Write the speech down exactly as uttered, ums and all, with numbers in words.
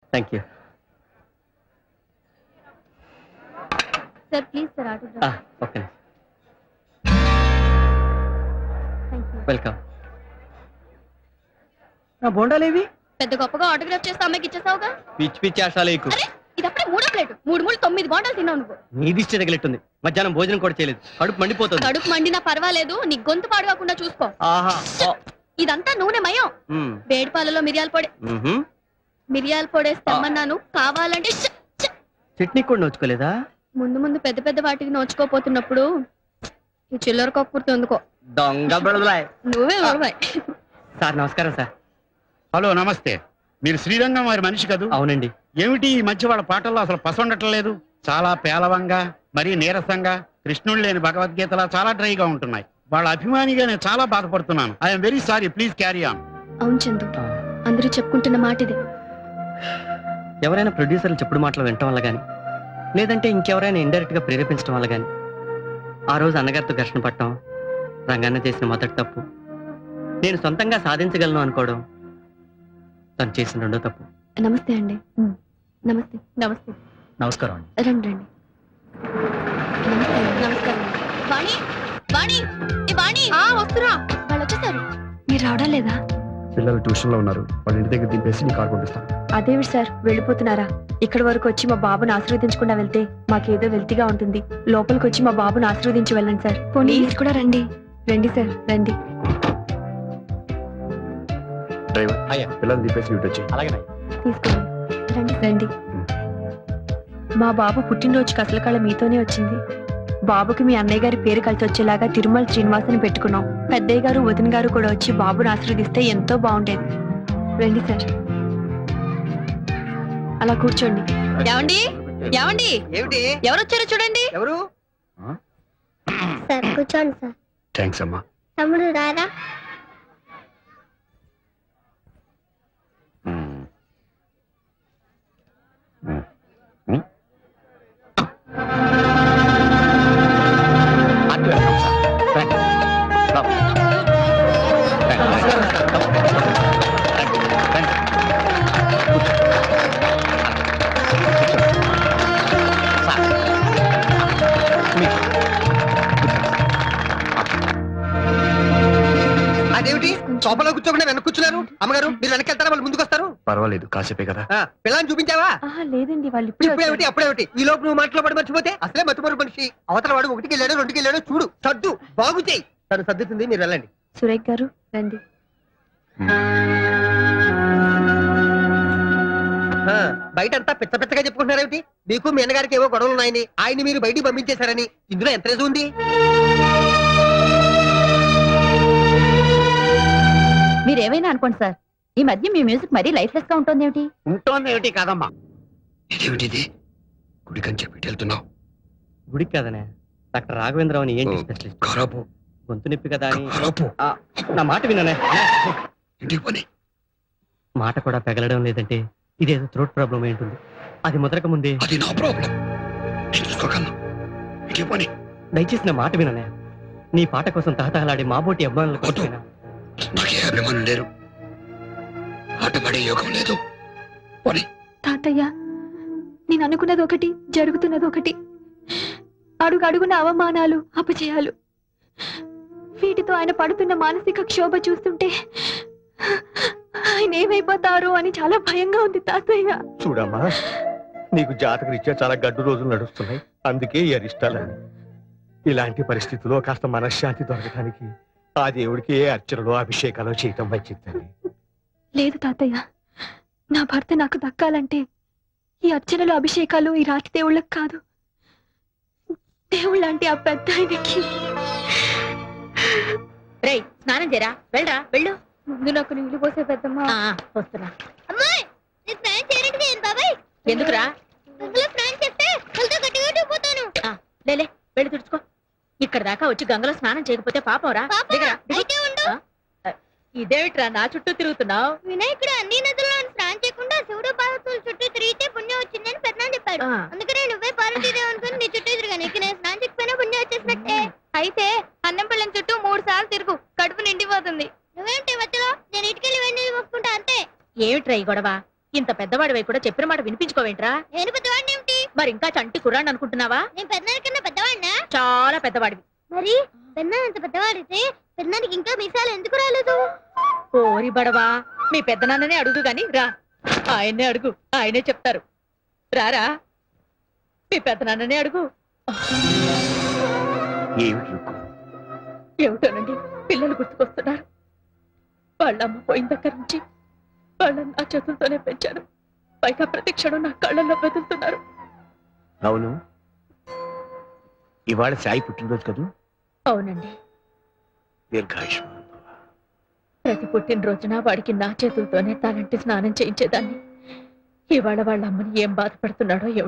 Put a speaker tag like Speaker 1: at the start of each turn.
Speaker 1: Thank you
Speaker 2: sir please sir autograph.
Speaker 1: Okay
Speaker 2: thank you.
Speaker 1: Welcome. నా బోండాలేవి?
Speaker 2: పెద్ద గొప్పగా ఆటోగ్రాఫ్ చేస్తే అమ్మాయికి ఇచ్చేసావుగా.
Speaker 1: పిచ్చి పిచ్చి ఆశాలు ఎక్కువ.
Speaker 2: అరే ఇది అప్పుడే మూడో ప్లేట్. మూడు మూడు తొమ్మిది బోండాలు తిన్నావు నువ్వు.
Speaker 1: నీ దిష్టి తగిలిట్టుంది. మధ్యాహ్నం భోజనం కూడా చేయలేదు. కడుపు మండిపోతుంది.
Speaker 2: కడుపు మండినా పర్వాలేదు, నీ గొంతు పాడుగాకుండా చూసుకో.
Speaker 1: ఆహా.
Speaker 2: ఇదంతా నూనె మయం. వేడి పాలలో మిరియాల పొడి. మిరియాల పొడేసి తెమ్మన్నాను. కావాలంటే
Speaker 1: చట్నీ కూడా నోచుకోలేదా?
Speaker 2: ముందు ముందు పెద్ద పెద్ద వాటికి నోచుకోపోతున్నప్పుడు ఈ చిల్లర కక్కుర్తి ఎందుకో.
Speaker 1: దొంగ బెడదలాయ్.
Speaker 2: నువ్వే నడవాయి.
Speaker 1: సార్ నమస్కారం సార్.
Speaker 3: హలో నమస్తే. మీరు శ్రీరంగం వారి మనిషి కదూ?
Speaker 1: అవునండి.
Speaker 3: ఏమిటి ఈ మధ్య వాళ్ళ పాటల్లో అసలు పసండటం లేదు? చాలా పేలవంగా, మరీ నీరసంగా, కృష్ణుడు లేని భగవద్గీతలా చాలా డ్రైగా ఉంటున్నాయి. వాళ్ళ అభిమానిగా నేను చాలా బాధపడుతున్నాను. I'm very sorry, please carry on.
Speaker 2: అవును చందు, అందరూ చెప్పుకుంటున్న మాట ఇదే.
Speaker 1: ఎవరైనా ప్రొడ్యూసర్లు చెప్పుడు మాటలు వినటం వల్ల గాని, లేదంటే ఇంకెవరైనా ఇండైరెక్ట్ గా ప్రేరేపించడం వల్ల గాని ఆ రోజు అన్నగారితో ఘర్షణ పట్టడం రంగన్న చేసిన మొదటి తప్పు. నేను సొంతంగా సాధించగలను అనుకోవడం తను చేసిన రెండో తప్పు.
Speaker 2: నమస్తే అండి. నమస్తే. నమస్తే.
Speaker 1: నమస్కారం అండి.
Speaker 2: రండి రండి. నమస్తే. నమస్కారం. వాణి వాణి ఏ వాణి. ఆ వస్తురా. వాళ్ళు వచ్చేసారు. మీరు రావడం లేదా?
Speaker 4: పిల్లలు ట్యూషన్ లో ఉన్నారు. వాళ్ళ ఇంటి దగ్గర దింపేసి నీ కార్ పంపిస్తాను.
Speaker 5: అదేవి సార్ వెళ్ళిపోతున్నారా? ఇక్కడి వరకు వచ్చి మా బాబుని ఆశీర్వదించకుండా వెళ్తే మాకేదో వెల్తిగా ఉంటుంది. లోపలికి వచ్చి మా బాబుని ఆశీర్వదించి వెళ్ళండి సార్. ప్లీజ్ కూడా రండి. రండి సార్ రండి.
Speaker 4: డ్రైవర్
Speaker 1: అయ్యా.
Speaker 4: పిల్లలు దింపేసి ఇటు వచ్చి.
Speaker 1: అలాగే.
Speaker 5: తీసుకోండి. రండి రండి. మా బాబు పుట్టినరోజుకి అసలు కళ మీతోనే వచ్చింది. బాబుకి మీ అన్నయ్య గారి పేరు కలిసి వచ్చేలాగా తిరుమల శ్రీనివాసని పెట్టుకున్నాం. పెద్దయ్య గారు వదిన గారు కూడా వచ్చి బాబుని ఆశీర్వదిస్తే ఎంతో బాగుండేది. రండి సార్. అలా కూర్చోండి.
Speaker 2: ఏమండి ఏమండి
Speaker 1: ఏమిటి?
Speaker 2: ఎవరు వచ్చారో చూడండి.
Speaker 1: ఎవరు?
Speaker 6: సార్ కూర్చోండి సార్.
Speaker 4: థ్యాంక్స్ అమ్మా.
Speaker 6: తమ్ముడు రారా.
Speaker 1: అదేమిటి సోఫాలో కూర్చోకుండా వెనక్కి కూర్చున్నారు? అమ్మగారు మీరు వెనక్కి వెళ్తారా? వాళ్ళు ముందుకు వస్తారు.
Speaker 4: పర్వాలేదు, కాసేపే కదా.
Speaker 1: పిల్లని చూపించావా?
Speaker 5: ఆహా, లేదండి వాళ్ళు
Speaker 1: ఇప్పుడేమిటి అప్పుడేమిటి? ఈ లోపు నువ్వు మాటలో పడి మర్చిపోతే అసలే మర్చిపోరు మనిషి. అవతల వాడు ఒకటికి వెళ్ళాడు రెండుకి వెళ్ళాడు. చూడు సర్దు బాగు చేయి. తను సర్దుతుంది, మీరు వెళ్ళండి.
Speaker 5: సురేఖ్ గారు రండి.
Speaker 1: బయట అంతా పిచ్చ పిచ్చగా చెప్పుకుంటున్నారేమిటి? మీకు మీ అన్నగారికి ఏవో గొడవలు ఉన్నాయని, ఆయన్ని మీరు బయటికి పంపించేశారని. ఇందులో ఎంత రేజు ఉంది?
Speaker 2: మీరేమైనా అనుకోండి సార్, ఈ మధ్య మీ మ్యూజిక్ మరీ లైఫ్ లెస్ గా ఉంటుంది. ఏమిటి
Speaker 3: ఉంటోంది ఏమిటి కాదమ్మా.
Speaker 4: ఇదేమిటిది? గుడికని చెప్పి వెళ్ళుతున్నావు?
Speaker 1: గుడికి కదనే, డాక్టర్ రాఘవేంద్రరావు అని ఏంటి స్పెషలిస్ట్.
Speaker 4: ఖరాబు
Speaker 1: గొంతు నొప్పి కదా అని.
Speaker 4: ఖరాబు.
Speaker 1: నా మాట విననే.
Speaker 4: ఇంటికి పని.
Speaker 1: మాట కూడా పెగలడం లేదంటే ఇదేదో థ్రోట్ ప్రాబ్లం ఏంటుంది. అది ముదరక ముందే.
Speaker 4: అది నా ప్రాబ్లం, నేను చూసుకోగలను. ఇంటికి పని.
Speaker 1: దయచేసి నా మాట విననే. నీ పాట కోసం తహతహలాడే మాబోటి అభిమానులు కోసమైనా.
Speaker 4: నాకే అభిమానులు లేరు, ఆట పడే యోగం లేదు. పని.
Speaker 5: తాతయ్య, నేను అనుకున్నది ఒకటి, జరుగుతున్నది ఒకటి. అడుగు అడుగున అవమానాలు, అపజయాలు. వీటితో ఆయన పడుతున్న మానసిక క్షోభ చూస్తుంటే ఆయన ఏమైపోతారో అని చాలా భయంగా ఉంది తాతయ్య.
Speaker 7: చూడమ్మా, నీకు జాతక రీత్యా చాలా గడ్డు రోజులు నడుస్తున్నాయి. అందుకే ఈ అరిష్టాలని. ఇలాంటి పరిస్థితుల్లో కాస్త మనశ్శాంతి దొరకడానికి ఆ దేవుడికి ఏ అర్చనలో అభిషేకాలు చేయటం మంచిదని.
Speaker 5: లేదు తాతయ్య, నా భర్త నాకు దక్కాలంటే ఈ అర్చనలు అభిషేకాలు ఈ రాతి దేవుళ్ళకి కాదు, దేవుళ్ళంటే ఆ పెద్ద ఆయనకి.
Speaker 2: రేయ్ స్నానం చేయరా, వెళ్ళరా వెళ్ళు.
Speaker 5: ముందు నాకు నీళ్లు పోసే పెద్దమ్మ.
Speaker 2: వస్తున్నా.
Speaker 6: అమ్మాయి నీ స్నానం చేయడానికి నేను బాబాయ్.
Speaker 2: ఎందుకురా?
Speaker 6: గంగలో స్నానం చేస్తే కలతో గట్టిగా ఊడిపోతాను.
Speaker 2: లేలే వెళ్ళి తుడుచుకో. ఇక్కడ దాకా వచ్చి గంగలో స్నానం చేయకపోతే పాపం రా.
Speaker 6: అయితే ఉండు.
Speaker 2: ఇదేమిట్రా నా చుట్టూ తిరుగుతున్నావు?
Speaker 6: వినాయకుడు అన్ని నదుల్లో స్నానం చేయకుండా శివుడు పార్వతుల చుట్టూ తిరిగితే పుణ్యం వచ్చిందని పెద్దనాన్న చెప్పాడు. అందుకనే నువ్వే పార్వతీదేవి అనుకుని నీ చుట్టూ తిరిగాను. ఇక నేను స్నానం చేయకపోయినా పుణ్యం వచ్చేసినట్టే.
Speaker 2: అయితే అన్నం పిల్లని చుట్టూ మూడు సార్లు తిరుగు, కడుపు నిండిపోతుంది.
Speaker 6: నువ్వేంటి మధ్యలో? నేను ఇటుకెళ్ళి వెండి మొక్కుకుంటా అంతే.
Speaker 2: ఏమిట్రా ఈ గొడవ? ఇంత పెద్దవాడివై కూడా చెప్పిన మాట వినిపించుకోవేంట్రా?
Speaker 6: నేను పెద్దవాడిని ఏమిటి?
Speaker 2: మరి ఇంకా చంటి కుర్రాన్ని అనుకుంటున్నావా?
Speaker 6: నేను పెద్దనాన్న కన్నా పెద్దవాడినా?
Speaker 2: చాలా పెద్దవాడివి.
Speaker 6: మరి పెద్దనాన్న అంత పెద్దవాడితే పెద్దనానికి ఇంకా మీసాలు ఎందుకు రాలేదు?
Speaker 2: ఓరి బడవా, మీ పెద్దనాన్ననే అడుగు గాని రా. ఆయన్నే అడుగు, ఆయనే చెప్తారు. రారా, మీ పెద్దనాన్ననే అడుగు.
Speaker 3: ఏమిటి రుక్కు?
Speaker 2: ఏమిటోనండి, పిల్లలు గుర్తుకొస్తున్నారు. వాళ్ళమ్మ పోయిన దగ్గర నుంచి వాళ్ళని నా చేతులతోనే పెంచాను. పైగా ప్రతి క్షణం నా కళ్ళల్లో బెదులుతున్నారు.
Speaker 3: అవును, ఇవాళ సాయి పుట్టినరోజు కదూ?
Speaker 2: అవునండి,
Speaker 3: దీర్ఘాయుష్మాన్ భవ.
Speaker 2: ప్రతి పుట్టినరోజున వాడికి నా చేతులతోనే తలంటి స్నానం చేయించేదాన్ని. ఇవాళ వాళ్ళ అమ్మని ఏం బాధపడుతున్నాడో ఏమిటో.